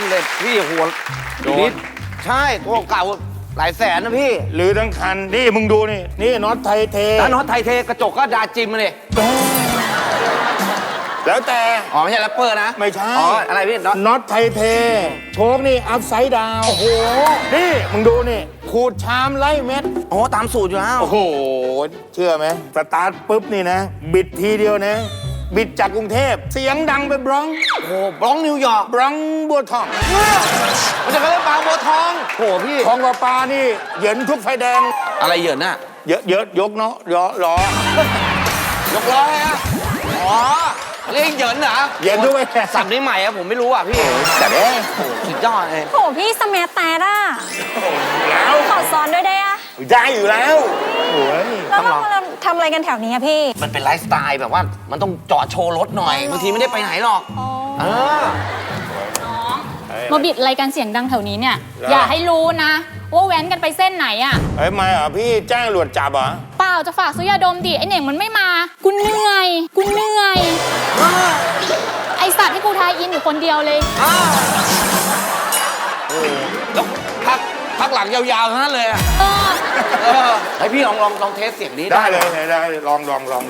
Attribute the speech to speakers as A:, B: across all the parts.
A: นเลยพี่หัวนิดใช่ตัวเก่าหลายแสนนะพี่
B: หรือทั้งคันนี่มึงดูนี่น็อตไทยเท
A: ถ้าน็อตไทยเทกระจกก็ดาจิมมาเลย
B: แล้วแต่
A: อ๋อไม่ใช่แรปเปอร์นะ
B: ไม่ใช่
A: อ๋ออะไรพี่
B: น็อตไทยเทโชคนี่อัพไซด์ดาวโอ้โหนี่มึงดูนี่ขูดชามไล่เม็ด
A: โอ้ตามสูตรอยู่แล้ว
B: โอ้โหเชื่อไหมสตาร์ทปุ๊บนี่นะบิดทีเดียวนะบิดจากกรุงเทพเสียงดังไปบล็อง
A: โอ้บล็องนิวยอร์ก
B: บล็องบัวทอง
A: มันจะเรียกบางบัวทองโอ้พี่
B: ทองกับปลานี่เหยินทุกไฟแดง
A: อะไรเหยินน่ะ
B: เยอะยกเนาะล้
A: อยกล้อฮะอ๋อเรียกเหยินเหรอ
B: เหยินทุกไฟแดง
A: สับนี้ใหม่อะผมไม่รู้อะพี่
B: แต่เด้
A: สุดยอดเลย
C: โหพี่สมัยแต่ละ
B: แล้ว
C: ขอซ้อนด้วยได้อะ
B: ได้อยู่แล้วโอ้ย
C: แล้วเราทำอะไรกันแถวนี้อะพี่
A: มันเป็นไลฟ์สไตล์แบบว่ามันต้องจอดโชว์รถหน่อยบางทีไม่ได้ไปไหนหรอก
D: มาบิดอะไรกันเสียงดังแถวนี้เนี่ยอย่าให้รู้นะว่าแว้นกันไปเส้นไหนอ่ะ
B: ไม่เหรอพี่แจ้งตำรวจจับเหรอ
D: เปล่าจะฝากซื้อยาดมดิไอเหน่งมันไม่มากูเหนื่อยไอสัตว์ให้กูทายอินอยู่คนเดียวเลย
A: แล้วพักหลังยาวๆทั้งนั้นเลยให้พี่ลองเทสเสียงนี้
B: ได้เลยได้ลอง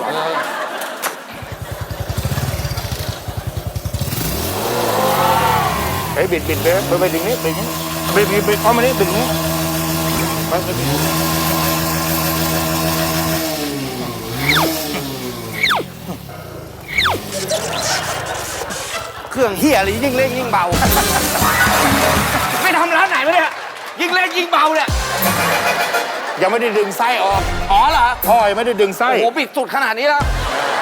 B: เฮ้ยบิดไปดึงนี้บิดเข้ามานี่ดึงนี้ไป
A: เครื่องเฮียอะไรยิ่งเล่นยิ่งเบาไม่ทำร้านไหนมาเนี่ยยิ่งเล่นยิ่งเบาเนี่ย
B: ยังไม่ได้ดึงไส้ออก
A: อ๋อเหรอ
B: พ่อยังไม่ได้ดึงไส้
A: โอ้โหปิดสุดขนาดนี้แล้ว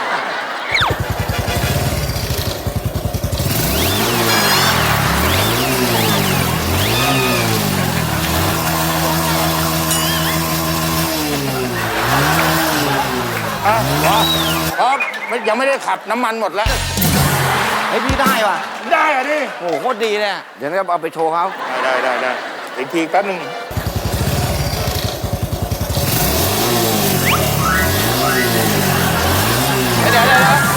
B: ยังไม่ได้ขับน้ำมันหมดแล้ว
A: ให้พี่ได้ป่ะ
B: ได้อะดิ
A: โอ้โหโคตรดีเลยเดี๋ยวเราเอาไปโชว์เขา
B: ได้อีกทีแป๊บนึง
A: เดี๋ยว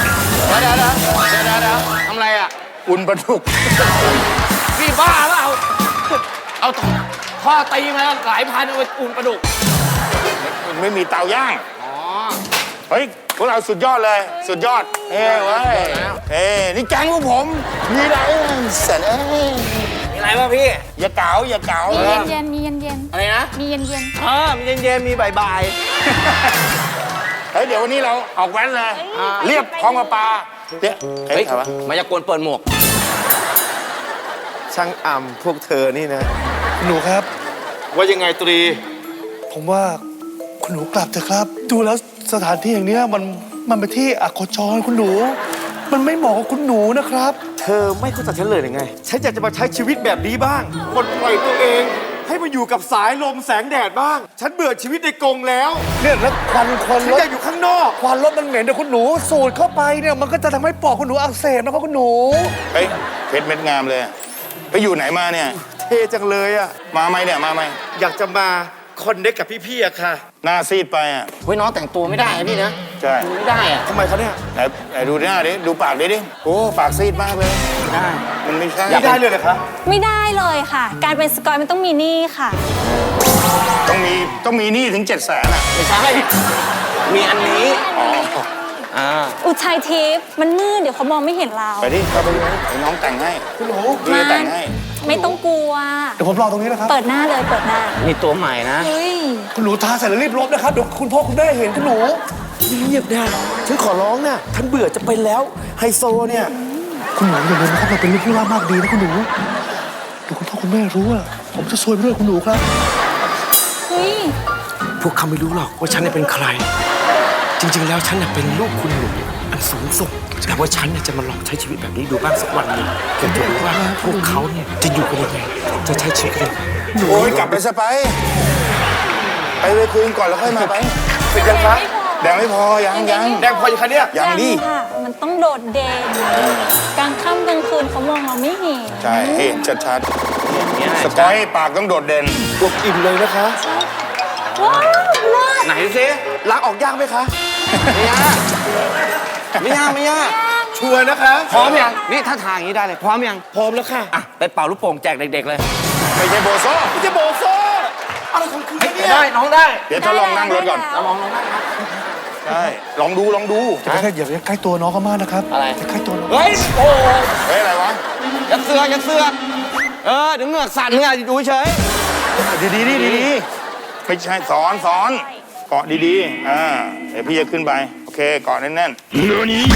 A: ทำไรอ่ะ
B: อุ่นปลาดุก
A: พี่บ้าเปล่าเอาข้อตีมาหลายพันเอาไปอุ่นปลาดุก
B: ไม่มีเตาย่างเฮ้ยพวกเราสุดยอดเลยสุดยอดเว้ยนี่แก๊งพวกผมมีอะไรเสร็จ
A: มีอะไรบ้างพี่
B: อย่าเก๋า
D: มีเย็น
A: อะไรนะ
D: มีเย็น
A: มีเย็นมีบ่าย
B: เฮ้ยเดี๋ยววันนี้เราออกแว้นเลยเรียบคลองปลา
A: เนี่ยเฮ้ยมายากลเปิดหมวก
E: ช่างอ่ำพวกเธอนี่นะ
F: หนูครับ
E: ว่ายังไงตรี
F: ผมว่าคุณหนูกลับเถอะครับดูแล้วสถานที่อย่างนี้มันเป็นที่อโคจรคุณหนูมันไม่เหมาะกับคุณหนูนะครับ
E: เธอไม่เข้าใจฉันเลยหรือไงฉันอยากจะมาใช้ชีวิตแบบนี้บ้างปลดปล่อยตัวเองให้มาอยู่กับสายลมแสงแดดบ้างฉันเบื่อชีวิตในกรงแล้ว
F: เนี่ยแล้วควัน
E: ฉันอยากอยู่ข้างนอก
F: ควันรถมันเหม็นแต่คุณหนูสูดเข้าไปเนี่ยมันก็จะทำให้ปอดคุณหนูอักเสบนะครับคุณหนู
B: เฮ้ยเพชรเม็ดงามเลยไปอยู่ไหนมาเนี่ย
E: เท่จังเลยอะ
B: มาไหมเนี่ยมาไหม
E: อยากจะมาคอนเนคกับพี่ๆอะค่ะ
B: หน้าซีดไปอะ
A: เฮ้ยน้องแต่งตัวไม่ได้พี่นะ
B: ใช่
A: ไม่ได้อะ
E: ทำไมเขาเนี่ย
B: ไหนดูหน้าดิดูปากดิโอ้ปากซีดมากเลย
A: ได้
B: มันไม่ใช่
E: ไม่ได้เลยเหรอคะ
C: ไม่ได้เลยค่ะการเป็นสกอยมันต้องมีหนี้ค่ะ
B: ต้องมีหนี้ถึง700,000อะ
A: ไม่ใช่มีอันนี้
C: อุทัยทิพย์มันมืดเดี๋ยวเขามองไม่เห็นเรา
B: ไปดิเข้าไปดูให้น้องแต่งให้
F: คุณหนู
B: พี่แต่งให้
C: ไม่ต้องกลัว
F: เดี๋ยวผมรอตรงนี้นะครับ
C: เปิดหน้าเลยเปิดหน้า
A: นี่ตัวใหม่นะ
F: คุณหนูทาเสร็จแล้วรีบลบนะครับเดี๋ยวคุณพ่อคุณแม่เห็นคุณหนู
E: เงียบได้ฉันขอร้องนะท่านเบื่อจะไปแล้วไฮโซเนี่ย
F: คุณหนูอย่าลืมนะครับเราเป็นลูกผู้ล่ามากดีนะคุณหนูเดี๋ยวคุณพ่อคุณแม่รู้ว่าผมจะซวยไปด้วยคุณหนูครับ
E: พวกเขาไม่รู้หรอกว่าฉันเป็นใครจริงๆแล้วฉันเป็นลูกคุณหนูอันสูงส่งแต่ว่าฉันจะมาลองใช้ชีวิตแบบนี้ดูบ้างสักวันหนึ่งเพื่อจะรู้ว่าพวกเขาเนี่ยจะอยู่กันยังไงจะใช้ชีวิตกัน
B: โอ้ยกลับไปซะไปคุยกันก่อนแล้วค่อยมาไป
E: เป็นยังไง
B: แดงไม่พอยัง
E: แดงพอยังคะเนี่ย
B: ยังดิ
C: มันต้องโดดเด่นกลางค่ำกลางคืนเขามองเราไม่เห็น
B: ใช่เห็นชัดๆสกอยปากต้องโดดเด่น
E: พวกอิ่มเลยนะคะ
C: ว้าว
A: ไหนสิ
E: ล้างออกยากไหมคะ
A: ไม่ยาก
E: ชัวร์นะคะ
A: พร้อมยังนี่ถ้าทางนี้ได้เลยพร้อมยัง
E: พร้อมแล้วค่ะ
A: อ่ะไปเป่าลูกโป่งแจกเด็กๆเลย
B: ไม่ใช่โบโซ่
F: ไม่ใช่โบโซ่อะไรของคุณเนี่ย
A: ได้น้องได้
B: เดี๋ยวทดลองนั่งรถก่อน
A: ลองได้ครับ
B: ใช่ลองดู
F: อย่าไปใกล้ตัวน้องเขามากนะครับ
A: อะไร
F: อย่าใกล้ตัวน้อง
A: เฮ้ยโอ้
B: เฮ้ย อะไรวะ
A: ยัดเสือกเดี๋ยวเหงือกสั่นเนี่ยดูเฉย
B: ดีไม่ใช่สอนเกาะดีๆเดี๋ยวพี่จะขึ้นไปโอเคเกาะแน่นๆเรือนี้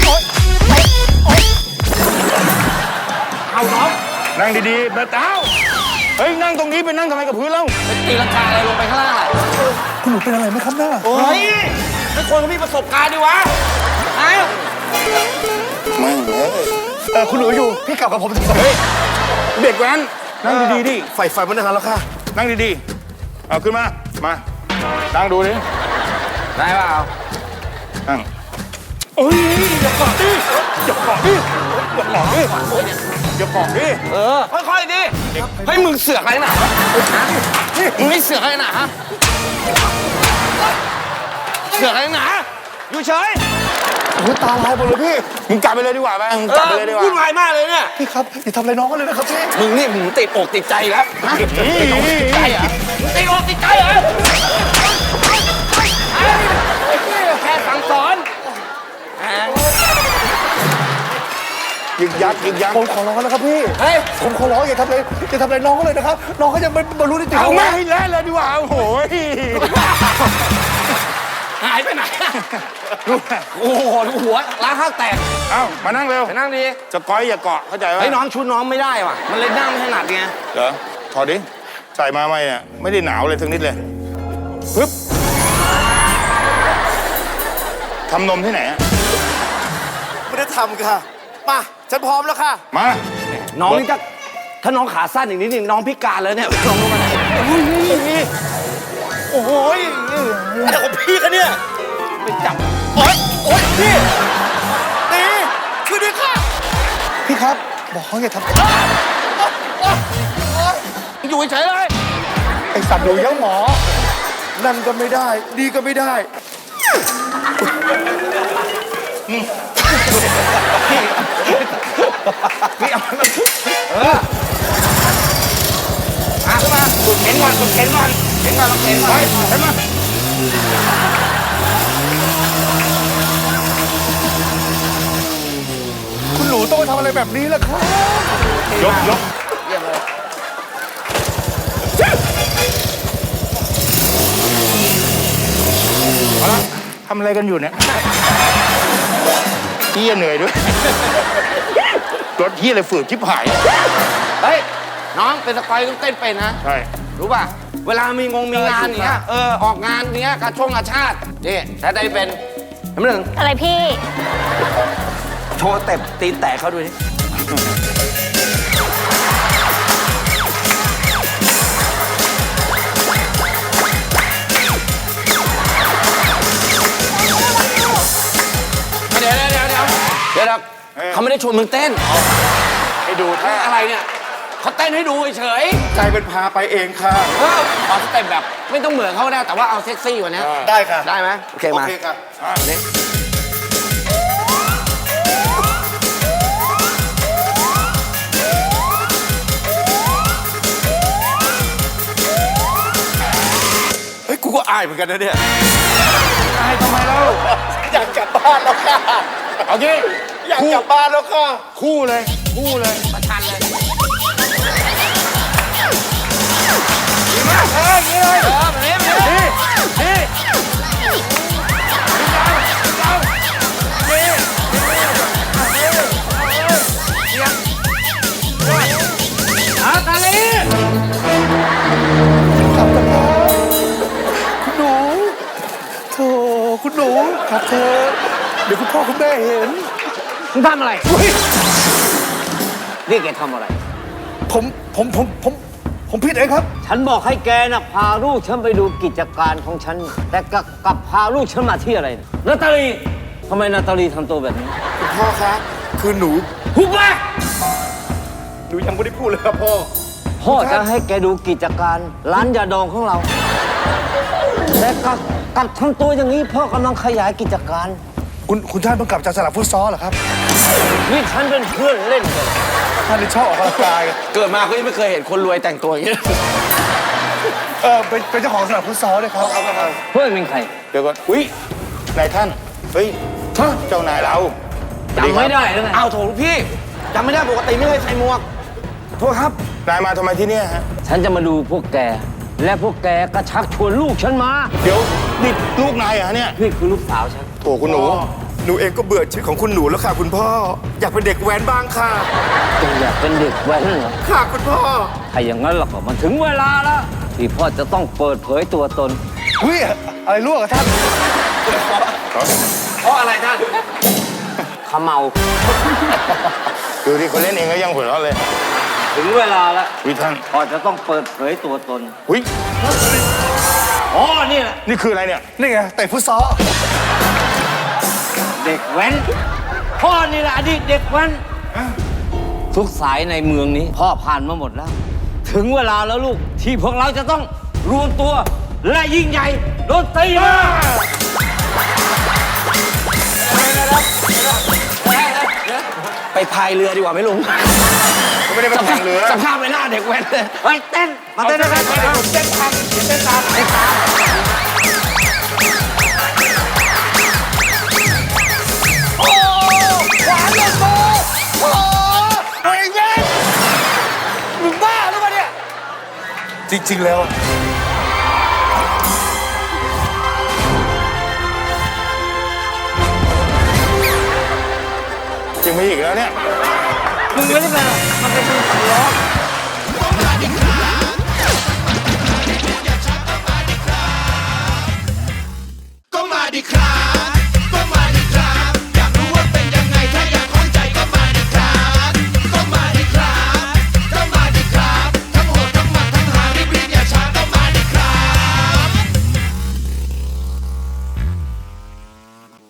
B: เอาน้องนั่งดีๆแบบเต้าเฮ้ยนั่งตรงนี้ไปนั่งทำไมกับพื้นแล้ว
A: ตีลังกาอะไรลงไปข้างล่างอ่ะ
F: คุณหนูเป็นอะไรไหมครับหน้า
A: เฮ้ยไม่ควรเขามีประสบการณ์ดิวะไอ้
B: ไม่เลย
F: คุณหนูอยู่พี่กลับกับผมเถอะ
B: เฮ้ยเด็กแว้นนั่งดีๆดิ
F: ไฟมันนานแล้วค่ะ
B: นั่งดีๆเอาขึ้นมานั่งดูดิ
A: ได้เปล่า
B: นั่งเอ้ยอย่าเกาะดิอย่าเกาะดิ
A: ค่อยๆดิเฮ้ยมึงเสือกอะไรหนามึงไม่เสือกอะไรหนาฮะเสือกอะไรหนาอยู่เฉย
F: โอ้ยตาลายหมดเลยพี่
B: มึงกลับไปเลยดีกว่าไปมึงกลับไปเลยดีกว่า
A: วุ่นวายมากเลยเนี่ย
F: พี่ครับอย่าทำอะไรน้องกันเลยนะครับพี่
A: มึงนี่มึงติดอกติดใจแล้วฮะติดอกติดใจเหรอมึงติดอกติดใจเหรอแค่สั่งสอน
B: ยึกยัก
F: ผมขอร้องนะครับพี่
A: เฮ้ย
F: ผมขอร้องอย่าทำอะไรน้องเขาเลยนะครับ น้องเขายังไม่บรรลุนิติภา
B: เอา
F: วะ
B: ไม่ให้แล้วเลยดีกว่าโอ้โห
A: หายไปไหนโอ้โหหัวล้างข้าวแตก
B: เอามานั่งเร็ว
A: ไปนั่งดี
B: จะก้อยอย่าเกาะเข้าใจไหม
A: ไอ้น้องชุดน้องไม่ได้ว่ะมันเลยนั่งไม่ถนัดไง
B: เหรอถอดดิใส่มาไหมเนี่ยไม่ได้หนาวเลยสักนิดเลยปึ๊บทำนมที่ไหนอะ
F: ไม่ได้ทำค่ะมาฉันพร้อมแล้วค่ะ
B: มา
A: น้องนี่ถ้าน้องขาสั้นอย่างนี้นี่น้องพิการเลยเนี่ยลองลงมาไหน
F: โอ้โหอะไรของพี่กันเนี่ย
A: ไปจับ
F: โอ๊ยพี่ตีช่วยด้วยค่ะพี่ครับบอกเขาอย่าทำ
A: อยู่เฉยเลย
F: ไอสัตว์หนูยังหมอ นั่นก็ไม่ได้ ดีก็ไม่ได้
A: ขึ้นมาสุดเข็นก่อนลองเข็นก่อน
B: ไปเห็นไหม
F: คุณหนูต้องมาทำอะไรแบบนี้ล่ะครับ
B: ยกเอาละทำอะไรกันอยู่เนี่ยเฮียเหนื่อยด้วยรถเฮียอะไรฝืดชิบหาย
A: เฮ้ยน้องเป็นสกอยต้องเต้นเป็นนะ
B: ใช่
A: รู้ป่ะเวลามีงานเนี้ยออกงานเนี้ยการกาชาตินี่ถ้าได้เป็นน้ำหนึ่ง
C: อะไรพี่
A: โชว์เต็บตีนแตกเขาดูดิเดี๋ยวเขาไม่ได้ชวนมึงเต้น
B: ให้ดูท่า
A: อะไรเนี่ยเขาเต้นให้ดูเฉย
F: ใจเป็นพาไปเองค่ะ
A: เอาสเต็ปแบบไม่ต้องเหมือนเขาได้แต่ว่าเอาเซ็กซี่กว่านี้
F: ได้ค่ะ
A: ได้ไหมโอเคมา
F: ค่ะ
A: นี่
F: เฮ้ย กูก็อายเหมือนกันนะเนี่ย
B: อายทำไมเล่า
F: อยากกลับบ้านแล้วค่ะ
B: โอเค
F: อยากกลับบ้านแล้วค่ะ
B: คู่เลย
A: ประชันเลย
B: ดีมากอย่างนี้เลย
A: แบบนี้ ตาลี
F: กลับกันนะคุณหนูโธ่คุณหนูกลับเถอะเดี๋ยวคุณพ่อคุณแม่เห็น
A: มึงทำอะไรนี่แกทำอะไร
F: ผมผิดเองครับ
G: ฉันบอกให้แกนะพาลูกฉันไปดูกิจการของฉัน แต่กลับพาลูกฉันมาที่อะไรเนี่ยนาตาลีทำไมนาตาลีทำตัวแบบนี้
F: คุณพ่อคะคือหนู
A: หุบปาก
F: หนูยังไม่ได้พูดเลยครับพ่อ
G: พ่อจะให้แกดูกิจการร้านยาดองของเรา แต่กลับทำตัวอย่างนี้พ่อกำลังขยายกิจการ
F: คุณท่านเพิ่งกลับจากสนามฟุตซอลเหรอครับ
G: นี่ฉันเป็นเพื่อนเล่นกัน
F: ท่านนี่ชอบออกกำลังกาย
E: เกิดมาก็ยังไม่เคยเห็นคนรวยแต่งตัวอย่างนี้
F: เป็นเจ้าของสนามฟุตซอลเลยครับ
G: เพื่อนเป็นใคร
B: เดี๋ยวก่อนอุ้ยนายท่านเฮ้ยเจ้านายเรา
G: จำไม่ได้แล้วไง
E: อ้าวโถลูกพี่จำไม่ได้ปกติไม่เคยใส่หมวกโทษครับ
B: นายมาทำไมที่เนี่ยฮะ
G: ฉันจะมาดูพวกแก และพวกแกก็ชักชวนลูกฉันมา
B: เดี๋ยวนี่ลูกนายเหรอเนี่ย
G: นี่คือลูกสาวฉัน
B: โถคุณหนู
E: หนูเองก็เบื่อชีวิตของคุณหนูแล้วค่ะคุณพ่อ อยากเป็นเด็กแว้นบ้างค่ะ
G: จะอยากเป็นเด็กแว้นเหรอ
E: ค่ะคุณพ่อ
G: ถ้าอย่างนั้นเราก็มันถึงเวลาแล้วที่พ่อจะต้องเปิดเผยตัวตน
F: อุ้ยอะไรลวกอะท่าน
E: เพราะอะไรท่าน
G: ขมเมา
B: ดูที่เขาเล่นเองก็ยังหัวเราะเลย
G: ถึงเวลาแล้ว
B: วิท่าน
G: พ่อจะต้องเปิดเผยตัวตน
B: อุ้ย
G: อ๋อนี่แหละ
B: นี่คืออะไรเนี่ย
F: นี่ไงเตะฟุตซอล
G: เด็กแว้น พ่อนี่แหละอดีตเด็กแว้น ทุกสายในเมืองนี้ พ่อผ่านมาหมดแล้ว ถึงเวลาแล้วลูกที่พวกเราจะต้องรวมตัว และยิ่งใหญ่ดนตรีมา
E: ไปพายเรือดีกว่าไหมลุง
B: เขาไม่ได้มาแข่งเรือ
E: สภาพไม่น่าเด็กแว้นเลย
G: ไปเต้น มาเต้นด้วยกัน
B: เต้นตามเต้นตามเต้นตาม
F: มึงบ้าหรือเปล่าเนี่ย จริง ๆ แล้ว
B: จริงไม่อีกแล้วเนี่ย
G: มึงไม่ได้เป็นหรอกมันเป็นมือสำล้อ